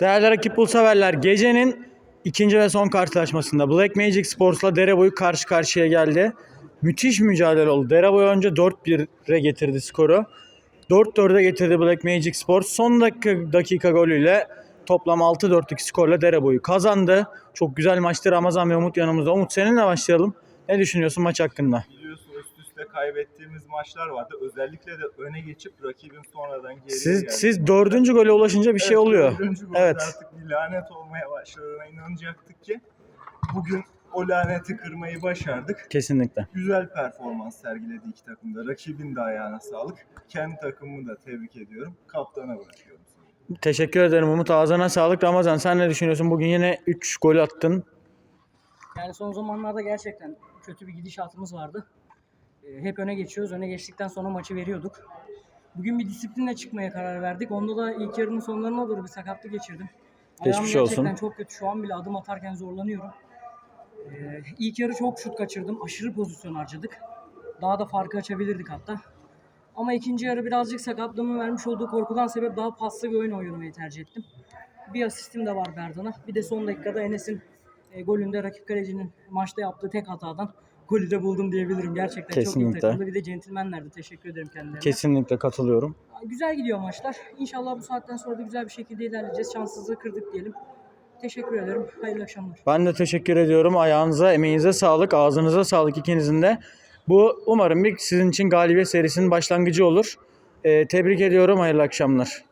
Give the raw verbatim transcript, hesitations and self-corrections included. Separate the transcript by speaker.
Speaker 1: Değerli rakip bul severler, gecenin ikinci ve son karşılaşmasında Black Magic Sports'la Dereboy karşı karşıya geldi. Müthiş mücadele oldu. Dereboy önce dört bire getirdi skoru. dört dörde getirdi Black Magic Sports. Son dakika, dakika golüyle toplam altı dörtlük skorla Dereboy'u kazandı. Çok güzel maçtı. Ramazan ve Umut yanımızda. Umut, seninle başlayalım. Ne düşünüyorsun maç hakkında?
Speaker 2: Biliyorsun üst üste kaybettiğimiz maçlar vardı. Özellikle de öne geçip rakibin sonradan geriye
Speaker 1: Siz,
Speaker 2: geldi.
Speaker 1: siz dördüncü gole ulaşınca bir şey
Speaker 2: Evet,
Speaker 1: oluyor.
Speaker 2: dördüncü golde
Speaker 1: Evet.
Speaker 2: artık bir lanet olmaya başladığına inanacaktık ki bugün o laneti kırmayı başardık.
Speaker 1: Kesinlikle.
Speaker 2: Güzel performans sergiledi iki takım da. Rakibin de ayağına sağlık. Kendi takımımı da tebrik ediyorum. Kaptana bırakıyorum seni.
Speaker 1: Teşekkür ederim Umut. Ağzına sağlık. Ramazan, sen ne düşünüyorsun? Bugün yine üç gol attın.
Speaker 3: Yani son zamanlarda gerçekten kötü bir gidişatımız vardı. Ee, hep öne geçiyoruz. Öne geçtikten sonra maçı veriyorduk. Bugün bir disiplinle çıkmaya karar verdik. Onda da ilk yarının sonlarına doğru bir sakatlık geçirdim. Ayağım
Speaker 1: Geçmiş
Speaker 3: gerçekten
Speaker 1: olsun.
Speaker 3: çok kötü. Şu an bile adım atarken zorlanıyorum. Ee, ilk yarı çok şut kaçırdım. Aşırı pozisyon harcadık. Daha da farkı açabilirdik hatta. Ama ikinci yarı birazcık sakatlığımın vermiş olduğu korkudan sebep daha paslı bir oyun oynamayı tercih ettim. Bir asistim de var Berdan'a. Bir de son dakikada Enes'in e, golünde rakip kalecinin maçta yaptığı tek hatadan golü de buldum diyebilirim. Gerçekten
Speaker 1: Kesinlikle.
Speaker 3: çok iyi takımdı. Bir de centilmenlerdi. Teşekkür ederim kendilerine.
Speaker 1: Kesinlikle katılıyorum.
Speaker 3: Güzel gidiyor maçlar. İnşallah bu saatten sonra da güzel bir şekilde ilerleyeceğiz. Şanssızlığı kırdık diyelim. Teşekkür ederim. Hayırlı akşamlar.
Speaker 1: Ben de teşekkür ediyorum. Ayağınıza, emeğinize sağlık, ağzınıza sağlık ikinizin de. Bu umarım bir sizin için galibiyet serisinin başlangıcı olur. Ee, tebrik ediyorum. Hayırlı akşamlar.